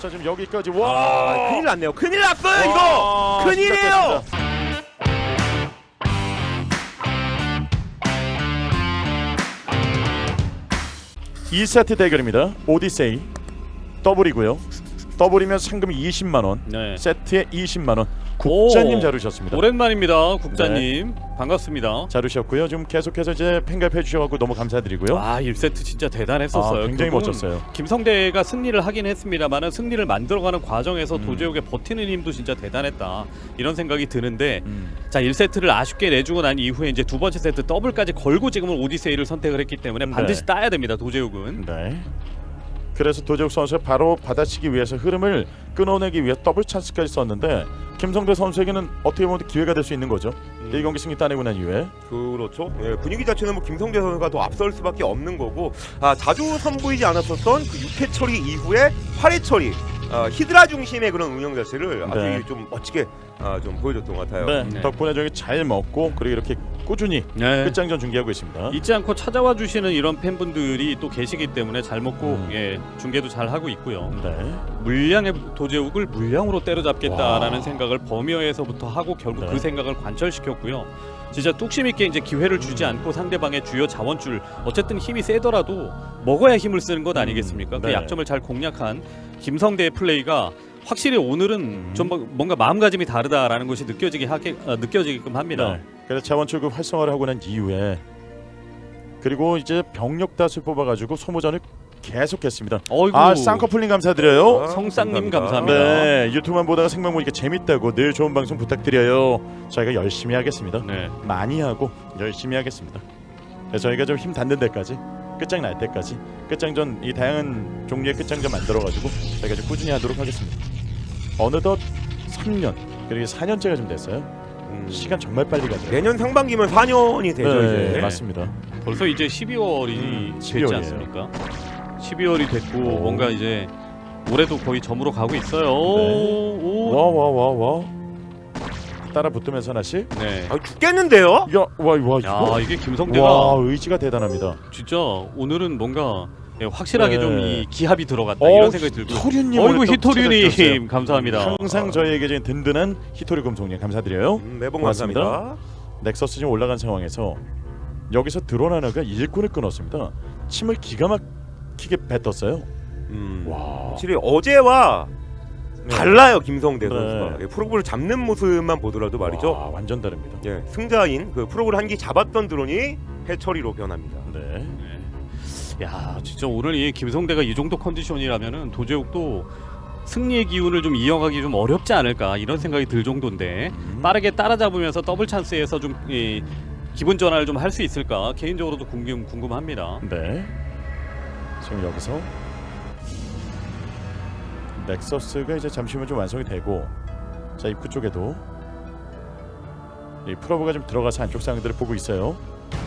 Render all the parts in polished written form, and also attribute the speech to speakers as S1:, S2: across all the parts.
S1: 자 지금 여기까지 와
S2: 큰일 났네요. 큰일 났어요 이거. 큰일이에요.
S1: 2세트 대결입니다. 오디세이 더블이고요. 더블이면 상금이 20만원,
S3: 네.
S1: 세트에 20만원. 국자님
S3: 오,
S1: 자르셨습니다.
S3: 오랜만입니다, 국자님. 반갑습니다.
S1: 자르셨고요. 지금 계속해서 이제 팬가입 해주셔서 너무 감사드리고요.
S3: 1세트 진짜 대단했었어요.
S1: 아, 굉장히
S3: 결국은
S1: 멋졌어요.
S3: 김성대가 승리를 하긴 했습니다만은 승리를 만들어가는 과정에서 도제욱의 버티는 힘도 진짜 대단했다. 이런 생각이 드는데 자 1세트를 아쉽게 내주고 난 이후에 이제 두 번째 세트 더블까지 걸고 지금은 오디세이를 선택을 했기 때문에 반드시
S1: 네.
S3: 따야 됩니다, 도제욱은.
S1: 네. 그래서 도재욱 선수가 바로 받아치기 위해서 흐름을 끊어내기 위해 더블 찬스까지 썼는데 김성대 선수에게는 어떻게 보면 기회가 될 수 있는 거죠. 이 경기 승리 따내고 난 이후에
S2: 그렇죠. 예, 분위기 자체는 뭐 김성대 선수가 더 앞설 수밖에 없는 거고 자주 선보이지 않았었던 그 6회 처리 이후에 8회 처리 히드라 중심의 그런 운영 자체를 아주
S1: 네.
S2: 좀 멋지게 좀 보여줬던 것 같아요.
S1: 네.
S3: 네.
S1: 덕분에 저기 잘 먹고 그리고 이렇게 꾸준히
S3: 네.
S1: 끝장전 중계하고 있습니다.
S3: 잊지 않고 찾아와 주시는 이런 팬분들이 또 계시기 때문에 잘 먹고 예, 중계도 잘 하고 있고요.
S1: 네.
S3: 물량의 도제욱을 물량으로 때려잡겠다라는
S1: 와.
S3: 생각을 범위어에서부터 하고 결국
S1: 네.
S3: 그 생각을 관철시켰고요. 진짜 뚝심 있게 이제 기회를 주지 않고 상대방의 주요 자원줄 어쨌든 힘이 세더라도 먹어야 힘을 쓰는 것 아니겠습니까? 그
S1: 네.
S3: 약점을 잘 공략한 김성대의 플레이가 확실히 오늘은 좀 뭔가 마음가짐이 다르다라는 것이 느껴지게끔 합니다.
S1: 네. 그래서 자원 출급 활성화를 하고 난 이후에 그리고 이제 병력 다수 뽑아가지고 소모전을 계속했습니다.
S3: 어이구,
S1: 쌍꺼풀님 감사드려요.
S3: 성쌍님 감사합니다.
S1: 네, 유튜브만 보다가 생방 보니까 재밌다고 늘 좋은 방송 부탁드려요. 저희가 열심히 하겠습니다.
S3: 네.
S1: 많이 하고 열심히 하겠습니다. 그래서 저희가 좀 힘 닿는 데까지 끝장 날 때까지 끝장전 이 다양한 종류의 끝장전 만들어가지고 저희가 좀 꾸준히 하도록 하겠습니다. 어느덧 3년 그리고 4년째가 좀 됐어요. 시간 정말 빨리 가죠.
S2: 내년 상반기면 4년이 되죠
S1: 네,
S2: 이제.
S1: 맞습니다.
S3: 벌써 이제 12월이 됐지
S1: 12월이에요.
S3: 않습니까? 12월이 됐고
S1: 오.
S3: 뭔가 이제 올해도 거의 저물어 가고 있어요.
S1: 네.
S3: 오.
S1: 와. 따라 붙으면서 하나씩.
S3: 네.
S2: 죽겠는데요?
S1: 야, 와 이거.
S3: 야 이게 김성대가
S1: 와 의지가 대단합니다.
S3: 진짜 오늘은 뭔가 확실하게
S1: 네.
S3: 좀 이 기합이 들어갔다 이런 생각이 들고.
S1: 히토류님
S3: 어이구
S1: 오늘 또 찾아주셨어요.
S3: 히토류님 감사합니다.
S1: 항상 저희에게 지금 든든한 히토류 금속님 감사드려요.
S2: 매번
S1: 고맙습니다.
S2: 감사합니다.
S1: 넥서스 지금 올라간 상황에서 여기서 드론 하나가 일꾼을 끊었습니다. 침을 기가 막히게 뱉었어요. 와.
S2: 확실히 어제와 달라요 김성대
S1: 네.
S2: 선수가. 예, 프로그를 잡는 모습만 보더라도 말이죠.
S1: 와, 완전 다릅니다.
S2: 예, 승자인 그 프로그를 한 기 잡았던 드론이 해처리로 변합니다.
S1: 네.
S3: 야 진짜 오늘 이 김성대가 이 정도 컨디션이라면은 도제욱도 승리의 기운을 좀 이어가기 좀 어렵지 않을까 이런 생각이 들 정도인데 빠르게 따라잡으면서 더블 찬스에서 좀 기분 전환을 좀 할 수 있을까 개인적으로도 궁금합니다.
S1: 네. 지금 여기서 넥서스가 이제 잠시 후면 좀 완성이 되고 자 입구 쪽에도 이 프로브가 좀 들어가서 안쪽 상황들을 보고 있어요.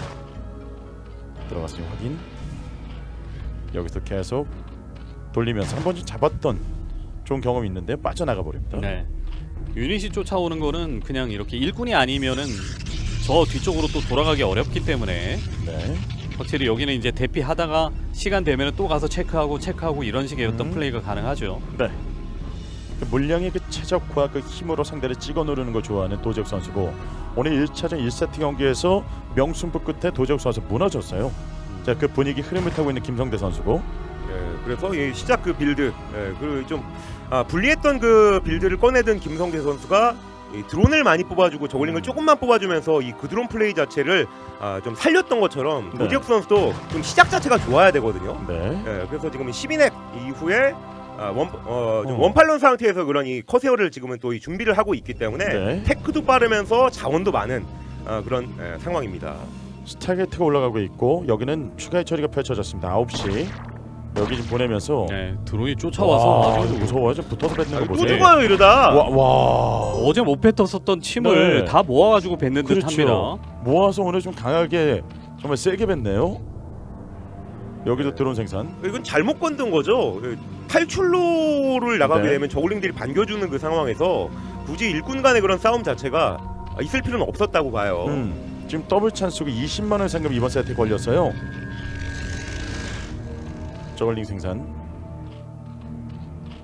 S1: 들어가서 지금 확인. 여기서 계속 돌리면서 한 번쯤 잡았던 좋은 경험이 있는데 빠져나가 버립니다.
S3: 네. 유닛이 쫓아오는 거는 그냥 이렇게 일꾼이 아니면은 저 뒤쪽으로 또 돌아가기 어렵기 때문에
S1: 네.
S3: 확실히 여기는 이제 대피하다가 시간 되면 또 가서 체크하고 이런 식의 어떤 플레이가 가능하죠.
S1: 네. 그 물량의 그 최적화 그 힘으로 상대를 찍어 누르는 걸 좋아하는 도재욱 선수고 오늘 1차전 1세트 경기에서 명승부 끝에 도재욱 선수 무너졌어요. 자, 그 분위기 흐름을 타고 있는 김성대 선수고
S2: 예, 그래서 이 시작 그 빌드, 그 좀 불리했던 그 빌드를 꺼내든 김성대 선수가 이 드론을 많이 뽑아주고 저글링을 조금만 뽑아주면서 이 그 드론 플레이 자체를 좀 살렸던 것처럼
S1: 네.
S2: 도지혁 선수도 좀 시작 자체가 좋아야 되거든요.
S1: 네.
S2: 예, 그래서 지금 12넥 이후에 좀 원팔런 상태에서 그런 이 커세어를 지금은 또 이 준비를 하고 있기 때문에
S1: 네.
S2: 테크도 빠르면서 자원도 많은 그런 상황입니다.
S1: 스타게이트가 올라가고 있고 여기는 추가의 처리가 펼쳐졌습니다. 9시 여기 좀 보내면서
S3: 네, 드론이 쫓아와서 아주
S1: 무서워요. 좀 붙어서 뱉는 거
S2: 또
S1: 보세요.
S2: 죽어요 이러다.
S3: 와. 어제 못 뱉었었던 침을
S1: 네.
S3: 다 모아가지고 뱉는 듯합니다.
S1: 그렇죠. 모아서 오늘 좀 강하게 정말 세게 뱉네요. 여기도 드론 생산.
S2: 이건 잘못 건든 거죠. 탈출로를 나가게
S1: 네.
S2: 되면 저글링들이 반겨주는 그 상황에서 굳이 일꾼 간의 그런 싸움 자체가 있을 필요는 없었다고 봐요.
S1: 지금 더블 찬스고 20만 원 상금 이번 세트에 걸렸어요. 저글링 생산.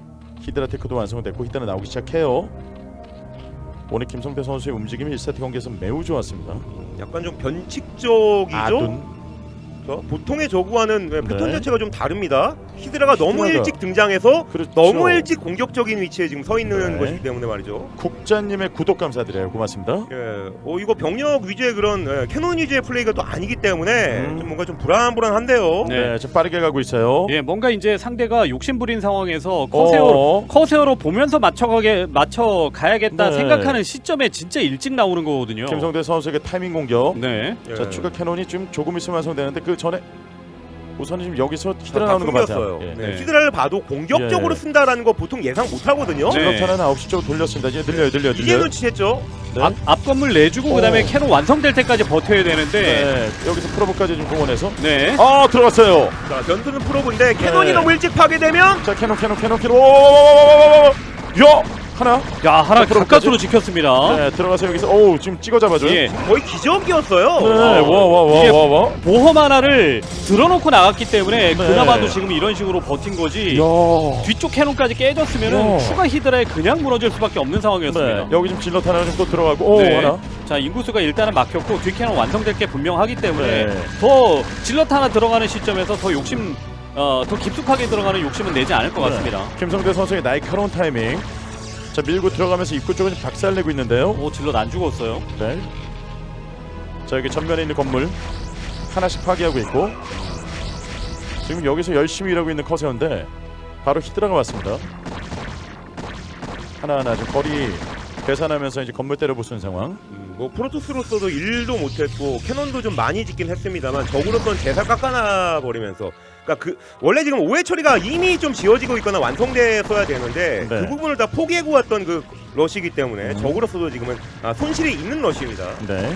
S1: 히드라 테크도 완성됐고 히드라 나오기 시작해요. 오늘 김성대 선수의 움직임이 1세트 경기에서 매우 좋았습니다.
S2: 약간 좀 변칙적이죠.
S1: 아둔.
S2: 보통의 저구와는 패턴
S1: 네.
S2: 자체가 좀 다릅니다. 히드라가 너무
S1: 히드라가-
S2: 일찍 등장해서
S1: 그렇죠.
S2: 너무 일찍 공격적인 위치에 지금 서 있는
S1: 네.
S2: 것이기 때문에 말이죠.
S1: 국자님의 구독 감사드려요. 고맙습니다.
S2: 이거 병력 위주의 그런 캐논 위주의 플레이가 또 아니기 때문에 좀 뭔가 좀 불안한데요.
S3: 네.
S1: 좀 빠르게 가고 있어요.
S3: 예, 뭔가 이제 상대가 욕심부린 상황에서
S1: 어.
S3: 커세어로 보면서 맞춰 가야겠다
S1: 네.
S3: 생각하는 시점에 진짜 일찍 나오는 거거든요.
S1: 김성대 선수에게 타이밍 공격.
S3: 네.
S1: 자, 추가 캐논이 좀 조금 있으면 완성되는데 그 전에 우선은 지금 여기서 히드라
S2: 다
S1: 나오는 거 맞아요.
S2: 숨겼어요.
S1: 예.
S2: 네.
S3: 네.
S2: 히드라를 봐도 공격적으로
S1: 예.
S2: 쓴다라는 거 보통 예상 못 하거든요.
S3: 네.
S1: 질럿하나는 9시 쪽으로 돌렸습니다. 이제 늘려요.
S2: 이제 눈치챘죠.
S1: 네.
S3: 앞 건물 내주고 그다음에 캐논 완성될 때까지 버텨야 되는데.
S1: 네. 여기서 프로브까지 좀 공원해서
S3: 네.
S1: 들어갔어요.
S2: 자, 변수는 프로브인데 캐논이
S1: 네.
S2: 너무 일찍 파괴되면
S1: 자, 캐논. 요 하나.
S3: 야, 하나
S1: 프로브까지?
S3: 가까스로 지켰습니다.
S1: 네, 들어가서 여기서 지금 찍어 잡아줘요.
S3: 예.
S2: 거의 기적이었어요.
S1: 네.
S3: 이게
S1: 와.
S3: 보험 하나를 들어놓고 나갔기 때문에
S1: 네.
S3: 그나마도 지금 이런 식으로 버틴 거지.
S1: 야.
S3: 뒤쪽 캐논까지 깨졌으면은
S1: 야.
S3: 추가 히드라에 그냥 무너질 수밖에 없는 상황이었습니다.
S1: 네. 여기 지금 질럿 하나 좀 또 들어가고
S3: 네.
S1: 하나.
S3: 자, 인구수가 일단은 막혔고 뒤 캐논 완성될 게 분명하기 때문에
S1: 네.
S3: 더 질럿 하나 들어가는 시점에서 더 욕심 더 깊숙하게 들어가는 욕심은 내지 않을 것 같습니다.
S1: 김성대 선수의 날카로운 타이밍. 자, 밀고 들어가면서 입구 쪽은 박살내고 있는데요.
S3: 오, 질럿 안 죽었어요.
S1: 네. 자, 여기 전면에 있는 건물 하나씩 파괴하고 있고 지금 여기서 열심히 일하고 있는 커세어인데 바로 히드라가 왔습니다. 하나하나 좀 거리 계산하면서 이제 건물 때려 부수는 상황.
S2: 뭐 프로토스로서도 일도 못했고 캐논도 좀 많이 짓긴 했습니다만 적으로선 제살 깎아놔 버리면서 그러니까 원래 지금 오해 처리가 이미 좀 지어지고 있거나 완성됐어야 되는데
S1: 네.
S2: 그 부분을 다 포기하고 왔던 그 러시이기 때문에 적으로서도 지금은 손실이 있는 러시입니다.
S1: 네.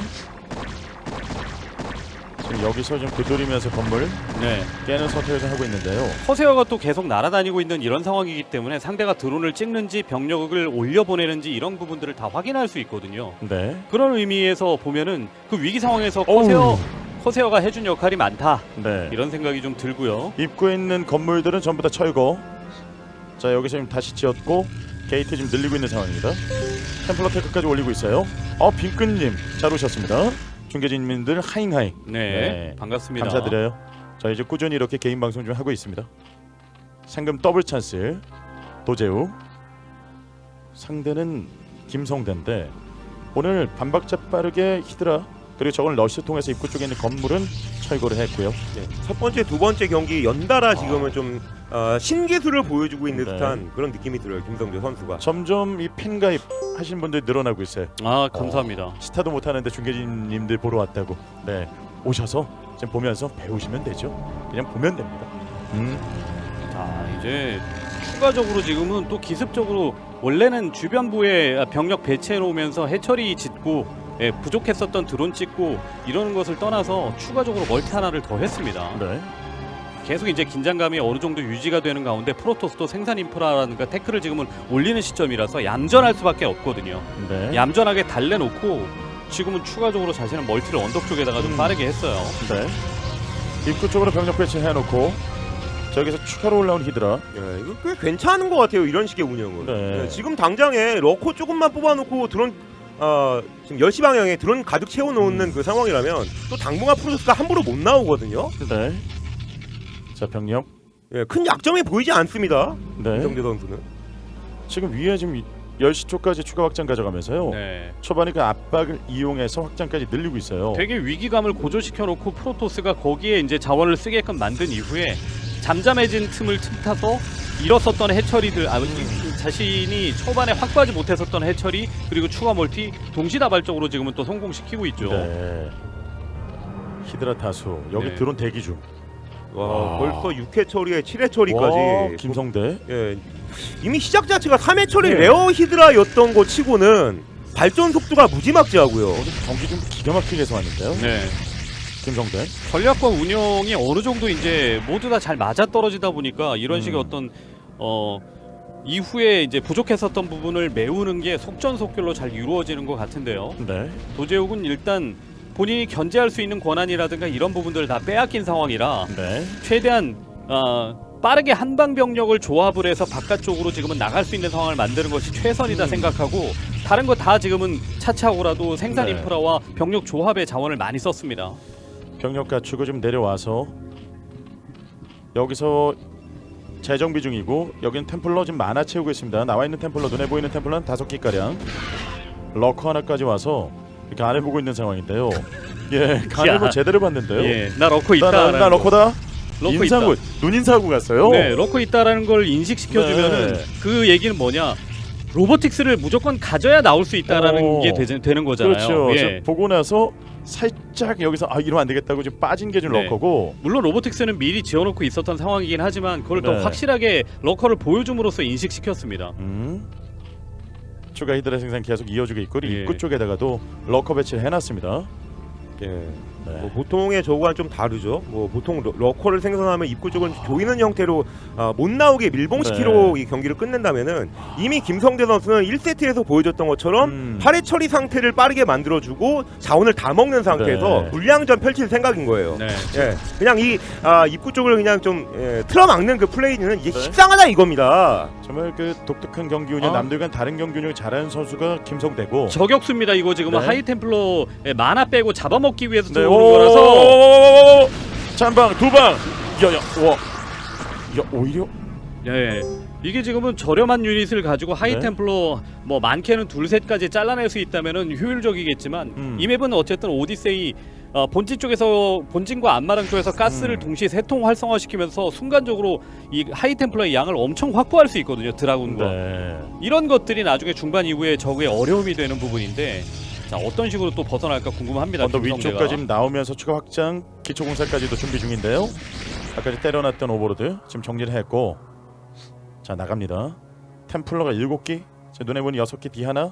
S1: 지금 여기서 좀 두드리면서 건물
S3: 네.
S1: 깨는 선택을 좀 하고 있는데요.
S3: 커세어가 또 계속 날아다니고 있는 이런 상황이기 때문에 상대가 드론을 찍는지 병력을 올려보내는지 이런 부분들을 다 확인할 수 있거든요.
S1: 네.
S3: 그런 의미에서 보면은 그 위기 상황에서
S1: 어우.
S3: 커세어가 해준 역할이 많다
S1: 네.
S3: 이런 생각이 좀 들고요.
S1: 입구에 있는 건물들은 전부 다 철거. 자, 여기서 지금 다시 지었고 게이트 지금 늘리고 있는 상황입니다. 템플러 테크까지 올리고 있어요. 빈끈님 잘 오셨습니다. 중계진민들 하잉하잉.
S3: 네, 반갑습니다.
S1: 감사드려요. 자, 이제 꾸준히 이렇게 개인 방송 좀 하고 있습니다. 상금 더블 찬스 도재우. 상대는 김성대인데 오늘 반박자 빠르게 히드라 그리고 저걸 러시 통해서 입구 쪽에 있는 건물은 철거를 했고요.
S2: 첫 번째, 두 번째 경기 연달아 지금은 좀 신기술을 보여주고 있는
S1: 네.
S2: 듯한 그런 느낌이 들어요. 김성재 선수가.
S1: 점점 이 팬가입 하시는 분들이 늘어나고 있어요.
S3: 아, 감사합니다.
S1: 스타도 못하는데 중계진님들 보러 왔다고. 네, 오셔서 지금 보면서 배우시면 되죠. 그냥 보면 됩니다.
S3: 자, 이제 추가적으로 지금은 또 기습적으로 원래는 주변부에 병력 배치해 놓으면서 해처리 짓고 부족했었던 드론 찍고 이러는 것을 떠나서 추가적으로 멀티 하나를 더 했습니다.
S1: 네.
S3: 계속 이제 긴장감이 어느 정도 유지가 되는 가운데 프로토스도 생산 인프라라든가 태클을 지금은 올리는 시점이라서 얌전할 수밖에 없거든요.
S1: 네.
S3: 얌전하게 달래놓고 지금은 추가적으로 자신은 멀티를 언덕 쪽에다가 좀 빠르게 했어요.
S1: 네. 입구 쪽으로 병력 배치해놓고 저기서 추가로 올라온 히드라.
S2: 이거 꽤 괜찮은 것 같아요. 이런 식의 운영은.
S1: 네.
S2: 지금 당장에 러코 조금만 뽑아놓고 드론 지금 10시 방향에 드론 가득 채워놓는 그 상황이라면 또 당분간 프로토스가 함부로 못 나오거든요.
S1: 네. 자, 병력.
S2: 큰 약점이 보이지 않습니다.
S1: 네.
S2: 김성재 선수는.
S1: 지금 위에 지금 10시 쪽까지 추가 확장 가져가면서요.
S3: 네.
S1: 초반에 그 압박을 이용해서 확장까지 늘리고 있어요.
S3: 되게 위기감을 고조시켜 놓고 프로토스가 거기에 이제 자원을 쓰게끔 만든 이후에 잠잠해진 틈을 틈타서 잃었었던 해처리들 자신이 초반에 확보하지 못했었던 해처리 그리고 추가 멀티 동시다발적으로 지금은 또 성공시키고 있죠.
S1: 네. 히드라 다수. 여기
S3: 네.
S1: 드론 대기 중.
S2: 와, 벌써 6회 처리에 7회 처리까지.
S1: 와, 김성대.
S2: 이미 시작 자체가 3회 처리
S1: 네.
S2: 레어 히드라였던 거 치고는 발전 속도가 무지막지하고요.
S1: 경기 좀 기가 막히게 해서 왔는데요.
S3: 네.
S1: 김성대.
S3: 전략과 운영이 어느 정도 이제 모두 다 잘 맞아 떨어지다 보니까 이런 식의 어떤 이후에 이제 부족했었던 부분을 메우는 게 속전속결로 잘 이루어지는 것 같은데요.
S1: 네.
S3: 도제욱은 일단 본인이 견제할 수 있는 권한이라든가 이런 부분들을 다 빼앗긴 상황이라
S1: 네.
S3: 최대한 빠르게 한방 병력을 조합을 해서 바깥쪽으로 지금은 나갈 수 있는 상황을 만드는 것이 최선이다 생각하고 다른 거 다 지금은 차차고라도 생산
S1: 네.
S3: 인프라와 병력 조합의 자원을 많이 썼습니다.
S1: 병력 갖추고 좀 내려와서 여기서 재정비 중이고 여기는 템플러 지금 많아 채우고 있습니다. 나와 있는 템플러 눈에 보이는 템플러는 5기 가량. 러커 하나까지 와서 이렇게 안을 보고 있는 상황인데요. 예, 간을
S3: 야.
S1: 뭐 제대로 봤는데요.
S3: 예, 나 러커 있다.
S1: 나 러커다.
S3: 러커
S1: 인사고 눈인사고 갔어요.
S3: 네, 러커 있다라는 걸 인식시켜주면은
S1: 네.
S3: 그 얘기는 뭐냐? 로보틱스를 무조건 가져야 나올 수 있다라는 게 되는 거잖아요.
S1: 그렇죠.
S3: 예.
S1: 저 보고 나서 살짝 여기서 이러면 안 되겠다고 지금 빠진 게 좀
S3: 네.
S1: 러커고.
S3: 물론 로보틱스는 미리 지어놓고 있었던 상황이긴 하지만 그걸 더
S1: 네.
S3: 확실하게 러커를 보여줌으로써 인식시켰습니다.
S1: 추가 히드라 생산 계속 이어지고 있고
S3: 예.
S1: 입구 쪽에다가도 러커 배치를 해놨습니다.
S2: 예.
S1: 네.
S2: 뭐 보통의 저거와는 좀 다르죠. 뭐 보통 러커를 생성하면 입구 쪽은 조이는 형태로 못 나오게 밀봉시키로
S1: 네.
S2: 이 경기를 끝낸다면은 이미 김성대 선수는 1세트에서 보여줬던 것처럼 8회 처리 상태를 빠르게 만들어주고 자원을 다 먹는 상태에서
S1: 네.
S2: 물량전 펼칠 생각인 거예요.
S3: 네.
S2: 예, 그냥 이 입구 쪽을 그냥 좀 틀어막는 그 플레이는 이게
S1: 네.
S2: 식상하다 이겁니다.
S1: 정말 그 독특한 경기 운영, 남들과는 다른 경기 운영을 잘하는 선수가 김성대고.
S3: 저격수입니다. 이거 지금은
S1: 네.
S3: 하이템플러의 만화 빼고 잡아먹기 위해서
S1: 네,
S3: 들어오는 거라서
S1: 잔방 두 방. 야야 와. 야 오히려
S3: 예. 이게 지금은 저렴한 유닛을 가지고 하이템플러 뭐 많게는 둘셋까지 잘라낼 수 있다면은 효율적이겠지만 이 맵은 어쨌든 오디세이 본진 쪽에서 본진과 안마랑 쪽에서 가스를 동시에 세 통 활성화시키면서 순간적으로 이 하이템플러의 양을 엄청 확보할 수 있거든요. 드라군과
S1: 네.
S3: 이런 것들이 나중에 중반 이후에 적의 어려움이 되는 부분인데 자 어떤 식으로 또 벗어날까 궁금합니다.
S1: 언더
S3: 김성대가.
S1: 위쪽까지 나오면서 추가 확장 기초공사까지도 준비 중인데요. 아까 때려놨던 오버로드 지금 정리를 했고 자 나갑니다. 템플러가 7기 제 눈에 보니 6기 D 하나.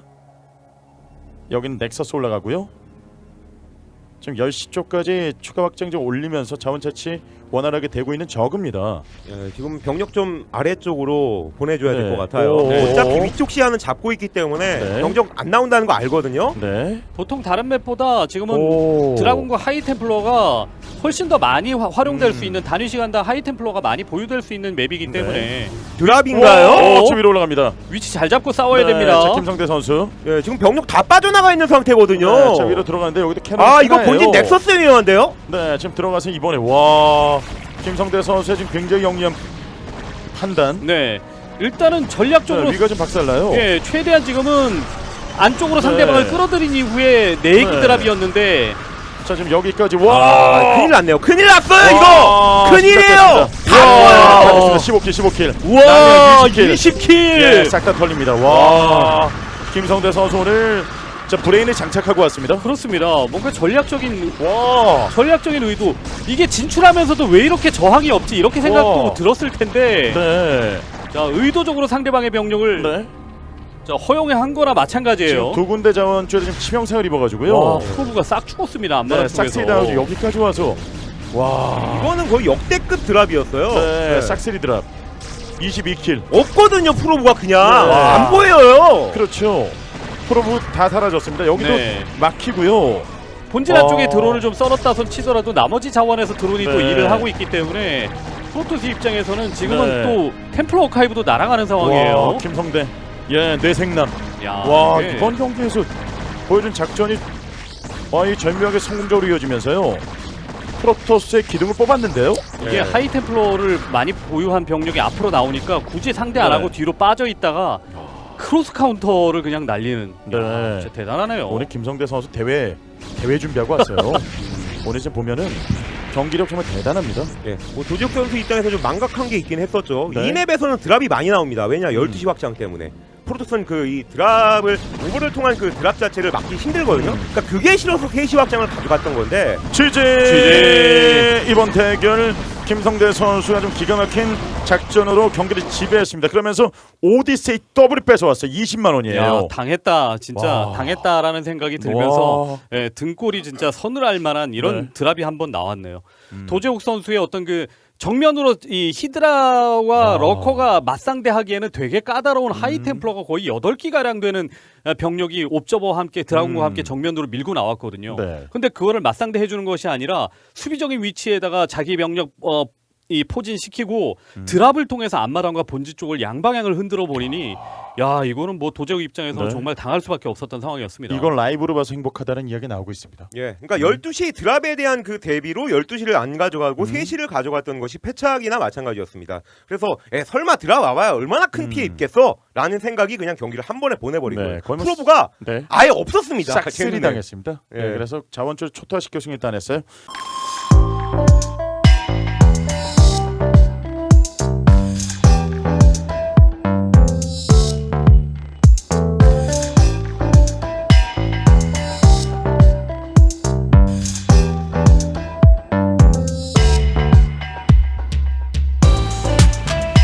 S1: 여기는 넥서스 올라가고요. 지금 10시 쪽까지 추가 확장 좀 올리면서 자원 채취 원활하게 되고 있는 저그입니다.
S2: 예, 지금 병력 좀 아래쪽으로 보내줘야 될
S1: 네.
S2: 것 같아요.
S1: 오.
S2: 어차피 위쪽 시야는 잡고 있기 때문에
S1: 네.
S2: 병력 안 나온다는 거 알거든요.
S1: 네.
S3: 보통 다른 맵보다 지금은
S1: 오.
S3: 드라군과 하이템플러가 훨씬 더 많이 활용될 수 있는 단위 시간당 하이템플러가 많이 보유될 수 있는 맵이기 때문에
S2: 드랍인가요?
S1: 저 위로 올라갑니다.
S3: 위치 잘 잡고 싸워야
S1: 네,
S3: 됩니다.
S1: 자, 김성대 선수.
S2: 예, 지금 병력 다 빠져나가 있는 상태거든요.
S1: 네, 자 위로 들어가는데 여기도 캐논.
S2: 이거 본진 넥서스 위험한데요?
S1: 네, 지금 들어가서 이번에 와 김성대 선수의 지금 굉장히 영리한 판단.
S3: 네, 일단은 전략적으로
S1: 위가 좀 박살나요.
S3: 예, 최대한 지금은 안쪽으로
S1: 네.
S3: 상대방을 끌어들인 이후에 내기
S1: 네.
S3: 드랍이었는데
S1: 자 지금 여기까지 와.
S2: 큰일 났네요. 큰일 났어요
S1: 와,
S2: 이거. 큰일이에요.
S1: 시작됐습니다.
S2: 다
S1: 다
S2: 보여요.
S1: 됐습니다. 15킬.
S3: 우와
S1: 남은
S3: 20킬
S1: 예, 싹 다 털립니다. 와. 김성대 선수 오늘 자 브레인을 장착하고 왔습니다.
S3: 그렇습니다. 뭔가 전략적인
S1: 와.
S3: 의도 이게 진출하면서도 왜 이렇게 저항이 없지 이렇게 생각도
S1: 와.
S3: 들었을 텐데
S1: 네.
S3: 자 의도적으로 상대방의 병력을
S1: 네.
S3: 자, 허용해 한 거나 마찬가지예요.
S1: 지금 두 군데 자원줄에 지금 치명상을 입어가지고요.
S3: 와, 프로브가 싹 죽었습니다. 안마랑
S1: 네,
S3: 쪽에서.
S1: 싹쓸이 당하고 여기까지 와서 와.
S2: 이거는 거의 역대급 드랍이었어요.
S1: 네, 싹쓸이 드랍. 22킬.
S2: 없거든요 프로브가 그냥
S1: 네.
S2: 안 보여요.
S1: 그렇죠. 프로브 다 사라졌습니다. 여기도
S3: 네.
S1: 막히고요.
S3: 본진 안쪽에 드론을 좀 썰었다 손 치더라도 나머지 자원에서 드론이 또
S1: 네.
S3: 일을 하고 있기 때문에 프로토스 입장에서는 지금은
S1: 네.
S3: 또 템플러 어카이브도 날아가는 상황이에요.
S1: 와, 김성대. 예, 뇌생남.
S3: 야,
S1: 와,
S3: 이게
S1: 이번 경기에서 보여준 작전이 이 절묘하게 성공적으로 이어지면서요. 프로토스의 기둥을 뽑았는데요.
S3: 이게
S2: 네.
S3: 하이 템플러를 많이 보유한 병력이 앞으로 나오니까 굳이 상대 안
S1: 네.
S3: 하고 뒤로 빠져 있다가 크로스 카운터를 그냥 날리는.
S1: 네.
S3: 야, 진짜 대단하네요.
S1: 오늘 김성대 선수 대회 준비하고 왔어요. 오늘 지금 보면은 경기력 정말 대단합니다.
S2: 예, 뭐 도지혁 선수 입장에서 좀 망각한 게 있긴 했었죠.
S1: 네.
S2: 이 맵에서는 드랍이 많이 나옵니다. 왜냐 12시 확장 때문에. 프로토스는 그 이 드랍을 오버를 통한 그 드랍 자체를 막기 힘들거든요. 그러니까 그게 싫어서 3시 확장을 가져갔던 건데
S1: 취재 이번 대결 김성대 선수가 좀 기가 막힌 작전으로 경기를 지배했습니다. 그러면서 오디세이 더블이 뺏어왔어요. 20만 원이에요.
S3: 야, 당했다. 진짜
S1: 와.
S3: 당했다라는 생각이 들면서
S1: 와.
S3: 예, 등골이 진짜 서늘할 만한 이런
S1: 네.
S3: 드랍이 한번 나왔네요. 도재욱 선수의 어떤 그 정면으로 이 히드라와 러커가 맞상대하기에는 되게 까다로운 하이템플러가 거의 8기 가량 되는 병력이 옵저버와 함께 드라군과 함께 정면으로 밀고 나왔거든요.
S1: 네.
S3: 근데 그거를 맞상대해 주는 것이 아니라 수비적인 위치에다가 자기 병력 이 포진시키고 드랍을 통해서 앞마당과 본지 쪽을 양방향을 흔들어 버리니 야 이거는 뭐 도제욱 입장에서
S1: 네.
S3: 정말 당할 수밖에 없었던 상황이었습니다.
S1: 이건 라이브로 봐서 행복하다는 이야기 나오고 있습니다.
S2: 예, 그러니까 12시 드랍에 대한 그 대비로 12시를 안 가져가고 3시를 가져갔던 것이 패착이나 마찬가지였습니다. 그래서 설마 드랍 와봐야 얼마나 큰 피해 입겠어? 라는 생각이 그냥 경기를 한 번에 보내버리고요.
S1: 네, 거의 뭐
S2: 프로브가
S1: 네.
S2: 아예 없었습니다.
S1: 싹쓸이
S2: 걔네는.
S1: 당했습니다.
S2: 예.
S1: 네, 그래서 자원줄 초토화시켜 승리 따냈어요.